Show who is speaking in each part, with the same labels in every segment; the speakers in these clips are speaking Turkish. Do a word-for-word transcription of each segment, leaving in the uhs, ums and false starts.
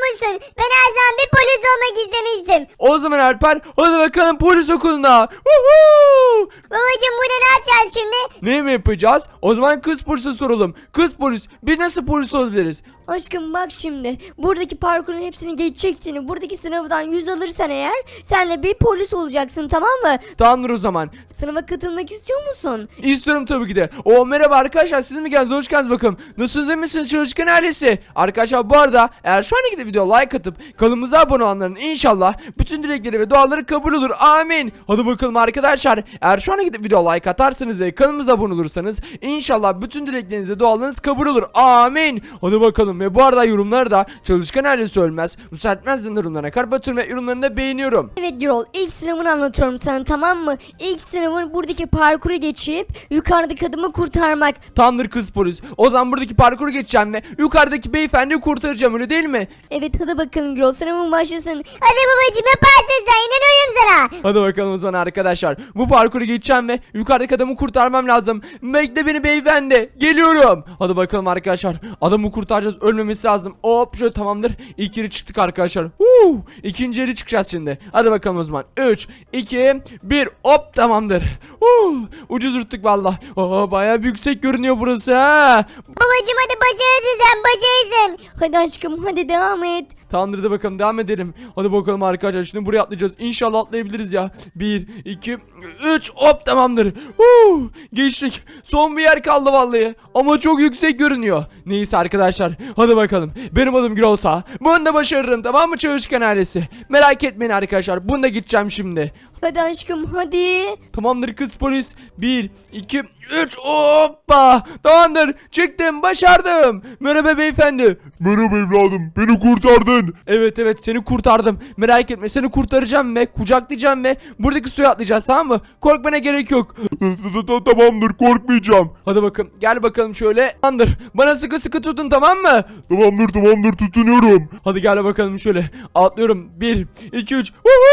Speaker 1: musun? Ben her zaman bir polis olmak istemiştim.
Speaker 2: O zaman Alper hadi bakalım polis okuluna. Woohoo!
Speaker 1: Babacım burada ne yapacağız şimdi?
Speaker 2: Ne mi yapacağız? O zaman kız polise soralım. Kız polis biz nasıl polis olabiliriz?
Speaker 3: Aşkım bak şimdi buradaki parkurun hepsini geçeceksin. Buradaki sınavdan yüz alırsan eğer sen de bir polis olacaksın, tamam mı?
Speaker 2: Tamamdır o zaman.
Speaker 3: Sınava katılmak istiyor musun?
Speaker 2: İstiyorum tabii ki de. O merhaba arkadaşlar, siz mi geldiniz? Hoş geldiniz bakalım. Nasılsınız, iyi misiniz çalışkan ailesi? Arkadaşlar bu arada eğer şu andaki de video like atıp kanalımıza abone olanların inşallah bütün dilekleri ve duaları kabul olur. Amin. Hadi bakalım arkadaşlar. Eğer şu andaki de video like atarsanız ve kanalımıza abone olursanız inşallah bütün dilekleriniz ve dualarınız kabul olur. Amin. Hadi bakalım. Ve bu arada yorumları da çalışkan ailesi ölmez. Müsaitmezsin yorumlarına kalp atıyorum ve yorumlarını da beğeniyorum.
Speaker 3: Evet Gürol, ilk sınavını anlatıyorum sana, tamam mı? İlk sınavın buradaki parkuru geçip yukarıdaki adımı kurtarmak.
Speaker 2: Tamamdır kız polis. O zaman buradaki parkuru geçeceğim ve yukarıdaki beyefendiyi kurtaracağım, öyle değil mi?
Speaker 3: Evet hadi bakalım Gürol, sınavın başlasın.
Speaker 1: Hadi babacım yaparsın sen, inanıyorum sana.
Speaker 2: Hadi bakalım o zaman arkadaşlar. Bu parkuru geçeceğim ve yukarıdaki adamı kurtarmam lazım. Bekle beni beyefendi. Geliyorum. Hadi bakalım arkadaşlar. Adamı kurtaracağız. Ölmemesi lazım. Hop şöyle, tamamdır. İlk yeri çıktık arkadaşlar. Huu. İkinci yeri çıkacağız şimdi. Hadi bakalım o zaman. üç, iki, bir. Hop, tamamdır. Huu. Ucuz yırttık valla. Oo, bayağı yüksek görünüyor burası ha.
Speaker 1: Babacım hadi başarısın sen, başarısın.
Speaker 3: Hadi aşkım, hadi devam et.
Speaker 2: Tamamdır, da bakalım devam edelim. Hadi bakalım arkadaşlar, şimdi buraya atlayacağız. İnşallah atlayabiliriz ya. bir, iki, üç, hop, tamamdır. Huu, geçtik. Son bir yer kaldı vallahi. Ama çok yüksek görünüyor. Neyse arkadaşlar, hadi bakalım. Benim adım Gül olsa bunu da başarırım, tamam mı çalışkan ailesi? Merak etmeyin arkadaşlar, bunu da gideceğim şimdi.
Speaker 3: Hadi aşkım hadi.
Speaker 2: Tamamdır kız polis. bir, iki, üç, hoppa. Tamamdır, çıktım, başardım. Merhaba beyefendi.
Speaker 4: Merhaba evladım, beni kurtardın.
Speaker 2: Evet evet, seni kurtardım. Merak etme, seni kurtaracağım ve kucaklayacağım ve buradaki suya atlayacağız, tamam mı? Korkmana gerek yok.
Speaker 4: Tamamdır, korkmayacağım.
Speaker 2: Hadi bakalım, gel bakalım şöyle. Tamamdır, bana sıkı sıkı tutun, tamam mı?
Speaker 4: Tamamdır tamamdır, tutunuyorum.
Speaker 2: Hadi gel bakalım şöyle. Atlıyorum. bir, iki, üç.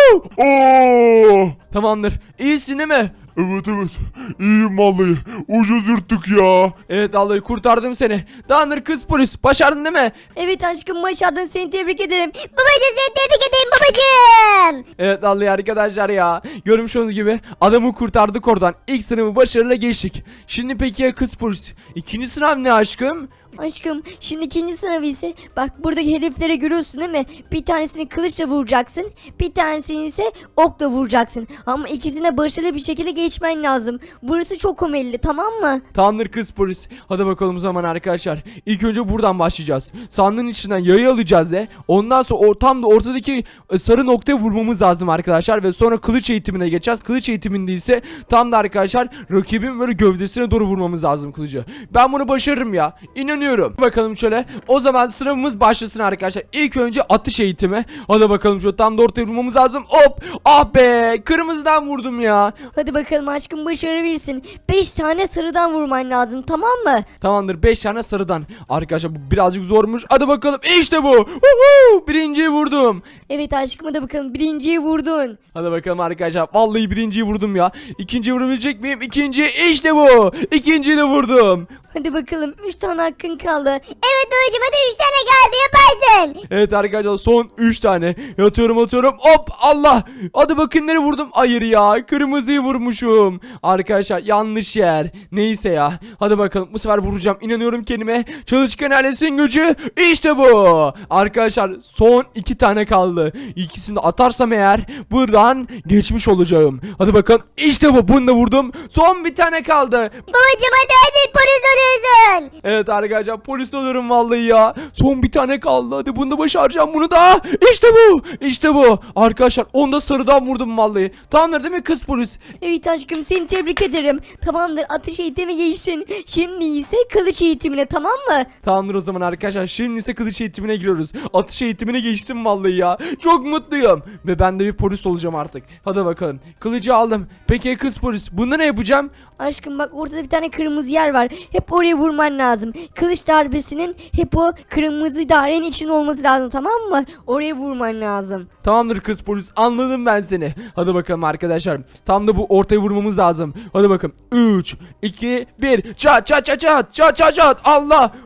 Speaker 4: Oo!
Speaker 2: Tamamdır. İyisin değil mi?
Speaker 4: Evet evet, iyiyim vallahi. Ucuz yırttık ya.
Speaker 2: Evet vallahi kurtardım seni. Tamamdır kız polis. Başardın değil mi?
Speaker 3: Evet aşkım, başardın, seni tebrik ederim.
Speaker 1: Babacım seni tebrik ederim babacım.
Speaker 2: Evet vallahi arkadaşlar ya. Görmüş olduğunuz gibi adamı kurtardık oradan. İlk sınavı başarıyla geçtik. Şimdi peki ya kız polis? İkinci sınav ne aşkım?
Speaker 3: Aşkım şimdi ikinci sınavı ise bak buradaki hedeflere görüyorsun değil mi? Bir tanesini kılıçla vuracaksın, bir tanesini ise okla vuracaksın. Ama ikisine başarılı bir şekilde geçmen lazım. Burası çok omelli, tamam mı?
Speaker 2: Tamamdır kız polis. Hadi bakalım o zaman arkadaşlar. İlk önce buradan başlayacağız. Sandığın içinden yayı alacağız ve ondan sonra or tam da ortadaki e, sarı noktaya vurmamız lazım arkadaşlar. Ve sonra kılıç eğitimine geçeceğiz. Kılıç eğitiminde ise tam da arkadaşlar rakibin böyle gövdesine doğru vurmamız lazım kılıcı. Ben bunu başarırım ya. İnanıyorum. Bakalım şöyle. O zaman sınavımız başlasın arkadaşlar. İlk önce atış eğitimi. Hadi bakalım şöyle tam da ortaya vurmamız lazım. Hop. Ah be. Kırmızıdan vurdum ya.
Speaker 3: Hadi bakalım aşkım, başarabilirsin. beş tane sarıdan vurman lazım, tamam mı?
Speaker 2: Tamamdır, beş tane sarıdan. Arkadaşlar bu birazcık zormuş. Hadi bakalım, işte bu. Uhu! Birinciyi vurdum.
Speaker 3: Evet aşkım, hadi bakalım, birinciyi vurdun.
Speaker 2: Hadi bakalım arkadaşlar. Vallahi birinciyi vurdum ya. İkinciyi vurabilecek miyim? İkinci, işte bu. İkinciyi de vurdum.
Speaker 3: Hadi bakalım, üç tane hakkın kaldı.
Speaker 1: Evet babacım hadi üç tane kaldı, yaparsın.
Speaker 2: Evet arkadaşlar, son üç tane. Yatıyorum atıyorum. Hop, Allah. Hadi bakın nereye vurdum. Hayır ya, kırmızıyı vurmuşum. Arkadaşlar yanlış yer. Neyse ya. Hadi bakalım, bu sefer vuracağım. İnanıyorum kendime. Çalışkan ailesinin gücü. İşte bu. Arkadaşlar son iki tane kaldı. İkisini de atarsam eğer buradan geçmiş olacağım. Hadi bakalım. İşte bu. Bunu da vurdum. Son bir tane kaldı.
Speaker 1: Babacım hadi hadi polis oluyorsun.
Speaker 2: Evet arkadaşlar, polis oluyorum vallahi ya. Son bir tane kaldı. Hadi bunu da başaracağım, bunu da. İşte bu. İşte bu. Arkadaşlar onu da sarıdan vurdum vallahi. Tamamdır değil mi kız polis?
Speaker 3: Evet aşkım, seni tebrik ederim. Tamamdır, atış eğitimi geçtin. Şimdi ise kılıç eğitimine, tamam mı?
Speaker 2: Tamamdır o zaman arkadaşlar. Şimdi ise kılıç eğitimine giriyoruz. Atış eğitimine geçtim vallahi ya. Çok mutluyum. Ve ben de bir polis olacağım artık. Hadi bakalım. Kılıcı aldım. Peki kız polis, bunda ne yapacağım?
Speaker 3: Aşkım bak, ortada bir tane kırmızı yer var. Hep oraya vurman lazım. Kılıç darbesinin hep o kırmızı dairenin için olması lazım, tamam mı? Oraya vurman lazım.
Speaker 2: Tamamdır kız polis, anladım ben seni. Hadi bakalım arkadaşlar. Tam da bu ortaya vurmamız lazım. Hadi bakalım. üç, iki, bir. Çat çat çat çat çat çat çat. Allah.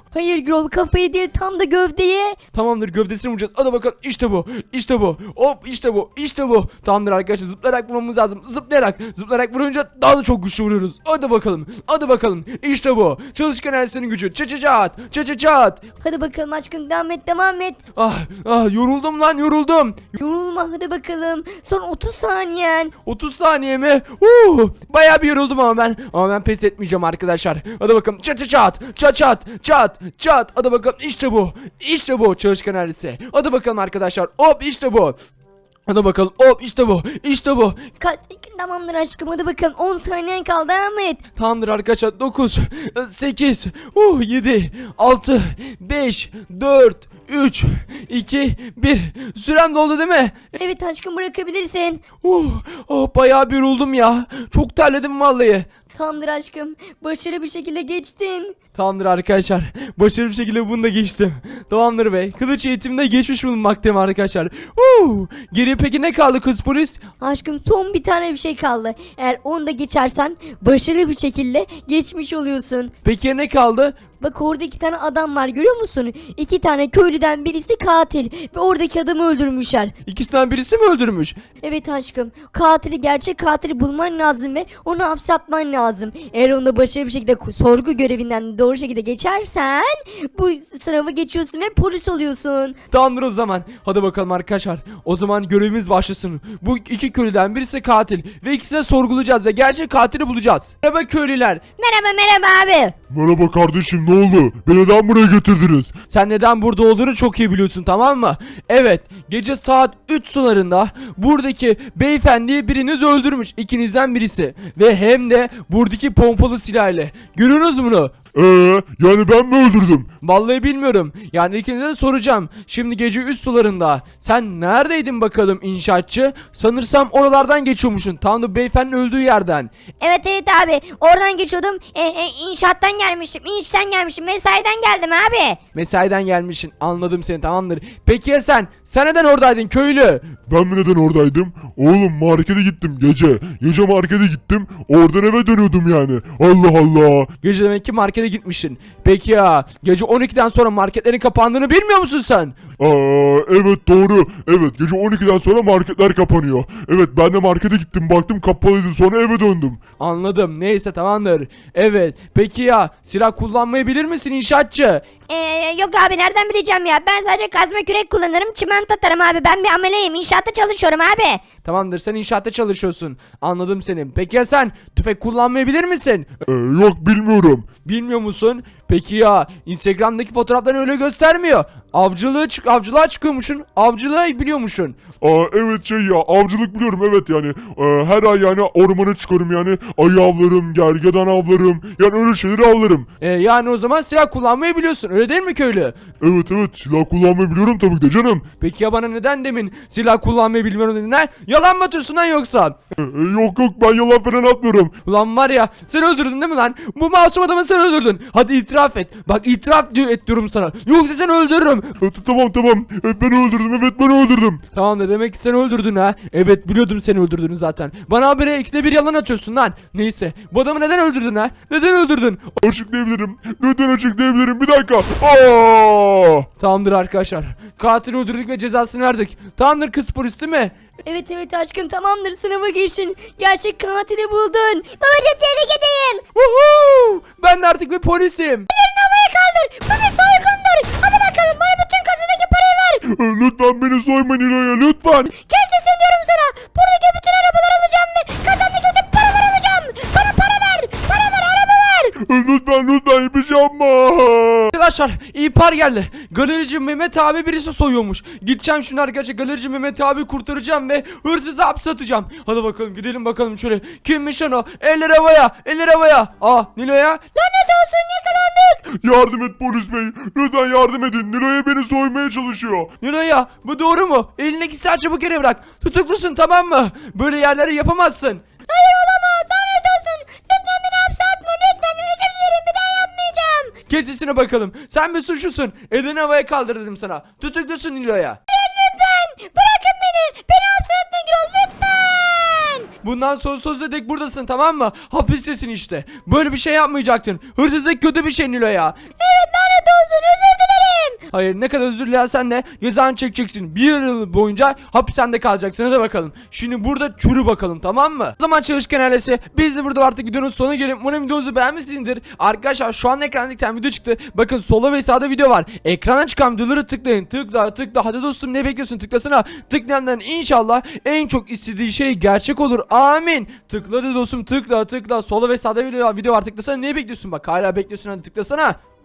Speaker 3: Hayır Gürol, kafayı değil, tam da gövdeye.
Speaker 2: Tamamdır, gövdesini vuracağız. Hadi bakalım, işte bu. İşte bu. Hop, işte bu. İşte bu. Tamamdır arkadaşlar, zıplayarak vurmamız lazım. Zıplayarak. Zıplayarak vurunca daha da çok güçlü vuruyoruz. Hadi bakalım. Hadi bakalım. İşte bu. Çalışkan enerjisinin gücü. Çat çat çat. Çat çat çat.
Speaker 3: Hadi bakalım aşkım, devam et devam et.
Speaker 2: Ah, ah yoruldum lan, yoruldum.
Speaker 3: Yorulma, hadi bakalım. Son otuz saniyen.
Speaker 2: otuz saniye mi? Uh, bayağı bir yoruldum ama ben. Ama ben pes etmeyeceğim arkadaşlar. Hadi bakalım. Çat çat çat. Çat çat. Çat çat. Hadi bakalım. İşte bu. İşte bu çalışkan enerjisi. Hadi bakalım arkadaşlar. Hop, işte bu. Hadi bakalım. Hop, işte bu. İşte bu.
Speaker 3: Kaç? Tamamdır aşkım, hadi bakalım, on saniyen kaldı, devam et.
Speaker 2: Tamamdır arkadaşlar. dokuz, sekiz, yedi, altı, beş, dört, üç, iki, bir. Sürem doldu değil mi?
Speaker 3: Evet aşkım, bırakabilirsin.
Speaker 2: Uh, oh, bayağı bir yoruldum ya. Çok terledim vallahi.
Speaker 3: Tamamdır aşkım, başarılı bir şekilde geçtin.
Speaker 2: Tamamdır arkadaşlar. Başarılı bir şekilde bunu da geçtim. Tamamdır bey. Kılıç eğitiminde geçmiş bulunmaktayım arkadaşlar. Uh, geriye peki ne kaldı kız polis?
Speaker 3: Aşkım, son bir tane bir şey kaldı. Eğer onu da geçersen başarılı bir şekilde geçmiş oluyorsun.
Speaker 2: Peki ne kaldı?
Speaker 3: Bak, orada iki tane adam var, görüyor musun? İki tane köylüden birisi katil ve oradaki adamı öldürmüşler.
Speaker 2: İkisinden birisi mi öldürmüş?
Speaker 3: Evet aşkım, katili, gerçek katili bulman lazım ve onu hapse atman lazım. Eğer onu da başarılı bir şekilde sorgu görevinden doğru şekilde geçersen bu sınavı geçiyorsun ve polis oluyorsun.
Speaker 2: Tamamdır o zaman. Hadi bakalım arkadaşlar. O zaman görevimiz başlasın. Bu iki köylüden birisi katil ve ikisini de sorgulayacağız ve gerçek katili bulacağız. Merhaba köylüler.
Speaker 3: Merhaba merhaba abi.
Speaker 4: Merhaba kardeşim, ne oldu? Beni neden buraya getirdiniz?
Speaker 2: Sen neden burada olduğunu çok iyi biliyorsun, tamam mı? Evet, gece saat üç sularında buradaki beyefendiyi biriniz öldürmüş, ikinizden birisi. Ve hem de buradaki pompalı silahıyla. Görüyorsunuz bunu?
Speaker 4: Eee yani ben mi öldürdüm?
Speaker 2: Vallahi bilmiyorum. Yani ikinize de soracağım. Şimdi gece üç sularında sen neredeydin bakalım inşaatçı? Sanırsam oralardan geçiyormuşsun. Tam da beyefendinin öldüğü yerden.
Speaker 1: Evet evet abi. Oradan geçiyordum. E, e, inşaattan gelmiştim. İnşten gelmiştim. Mesaiden geldim abi.
Speaker 2: Mesaiden gelmişsin. Anladım seni, tamamdır. Peki ya sen? Sen neden oradaydın köylü?
Speaker 4: Ben mi neden oradaydım? Oğlum markete gittim gece. Gece markete gittim. Oradan eve dönüyordum yani. Allah Allah.
Speaker 2: Gece demek ki markete gitmişsin. Peki ya gece on ikiden sonra marketlerin kapandığını bilmiyor musun sen?
Speaker 4: Aa, evet doğru. Evet gece on ikiden sonra marketler kapanıyor. Evet ben de markete gittim, baktım kapalıydı, sonra eve döndüm.
Speaker 2: Anladım. Neyse, tamamdır. Evet. Peki ya silah kullanmayı bilir misin inşaatçı?
Speaker 1: Ee, yok abi, nereden bileceğim ya. Ben sadece kazma kürek kullanırım. Çimento atarım abi. Ben bir ameleyim. İnşaatta çalışıyorum abi.
Speaker 2: Tamamdır, sen inşaatta çalışıyorsun. Anladım seni. Peki ya sen tüfek kullanmayı bilir misin?
Speaker 4: Ee, yok bilmiyorum.
Speaker 2: Bilmiyor musun? Peki ya Instagram'daki fotoğrafların öyle göstermiyor. Avcılığı çık avcılığa çıkıyormuşsun. Avcılığı biliyormuşsun.
Speaker 4: Aa, evet şey ya, avcılık biliyorum evet yani. Ee, her ay yani ormana çıkarım yani. Ayı avlarım, gergedan avlarım. Yani öyle şeyleri avlarım.
Speaker 2: Ee, yani o zaman silah kullanmayı biliyorsun. Öyle değil mi köylü?
Speaker 4: Evet evet, silah kullanmayı biliyorum tabii ki de canım.
Speaker 2: Peki ya bana neden demin silah kullanmayı bilmiyorum dedin ha? Yalan mı atıyorsun lan yoksa?
Speaker 4: Ee, yok yok, ben yalan falan atmıyorum.
Speaker 2: Ulan var ya, sen öldürdün değil mi lan? Bu masum adamı sen öldürdün. Hadi itiraf et. Bak itiraf diyor, et diyorum sana. Yoksa seni öldürürüm.
Speaker 4: Ee, tamam tamam, ee, ben öldürdüm, evet ben öldürdüm.
Speaker 2: Tamam da demek ki sen öldürdün ha. Evet, biliyordum seni öldürdüğünü zaten. Bana habire ikide bir yalan atıyorsun lan. Neyse, bu adamı neden öldürdün ha? Neden öldürdün?
Speaker 4: Açıklayabilirim. Lütfen açıklayabilirim, bir dakika. Aa!
Speaker 2: Tamamdır arkadaşlar. Katili öldürdük ve cezasını verdik. Tamamdır kız polis değil mi?
Speaker 3: Evet evet aşkım, tamamdır, sınava geçtin. Gerçek katili buldun.
Speaker 1: Babacım, tebrik edeyim.
Speaker 2: Woohoo! Ben de artık bir polisim.
Speaker 1: Havaya kaldır. Bu bir soygundur. Hadi bakalım, bana bütün kasadaki parayı ver.
Speaker 4: Ee, lütfen beni soymayın İlo'ya, lütfen.
Speaker 1: Kes sesini diyorum sana. Buradaki bütün arabaları alacağım ve kasadaki bütün paraları alacağım. Bana para ver. Para ver, araba ver.
Speaker 4: Ee, lütfen lütfen, bir şey yapma.
Speaker 2: Arkadaşlar ihbar geldi. Galerici Mehmet abi birisi soyuyormuş. Gideceğim şimdi arkadaşlar, galerici Mehmet abi kurtaracağım ve hırsızı hapse atacağım. Hadi bakalım gidelim bakalım şöyle. Kimmiş lan o? Eller havaya, eller havaya. Aa, Nilo'ya.
Speaker 1: Lanet olsun, yakalandık.
Speaker 4: Yardım et polis bey. Lütfen yardım edin. Nilo'ya beni soymaya çalışıyor.
Speaker 2: Nilo'ya, bu doğru mu? Elindeki silah çabuk yere bırak. Tutuklusun, tamam mı? Böyle yerleri yapamazsın.
Speaker 1: Hayır, olamaz. Lanet olsun. Lütfen beni hapse atma. Lütfen, özür dilerim. Bir daha yapmayacağım.
Speaker 2: Kes sesine bakalım. Sen bir suçlusun. Elini havaya kaldır dedim sana. Tutuklusun Nilo'ya.
Speaker 1: Lütfen. Bırakın beni. Beni hapse atma Gürol. Lütfen.
Speaker 2: Bundan sonra sonsuza dek buradasın, tamam mı? Hapistesin işte. Böyle bir şey yapmayacaktın. Hırsızlık kötü bir şey Nilo'ya.
Speaker 1: Evet, lanet olsun, özür dilerim.
Speaker 2: Hayır, ne kadar özür dilersen de cezanı çekeceksin. Bir yıl boyunca hapishanede kalacaksın. Hadi bakalım. Şimdi burada çürü bakalım, tamam mı? O zaman çalışkan ailesi, biz de burada artık videonun sonuna gelip umarım videomuzu beğenmişsinizdir. Arkadaşlar şu an ekranda bir tane video çıktı. Bakın solda ve sağda video var. Ekrana çıkan videoları tıklayın. Tıkla tıkla. Hadi dostum, ne bekliyorsun? Tıklasana. Tıklayanların inşallah en çok istediği şey gerçek olur. Amin. Tıkladı dostum, tıkla tıkla. Solda ve sağda video var. Video var. Tıklasana. Ne bekliyorsun? Bak hala bekliyorsun. Hadi tıklasana.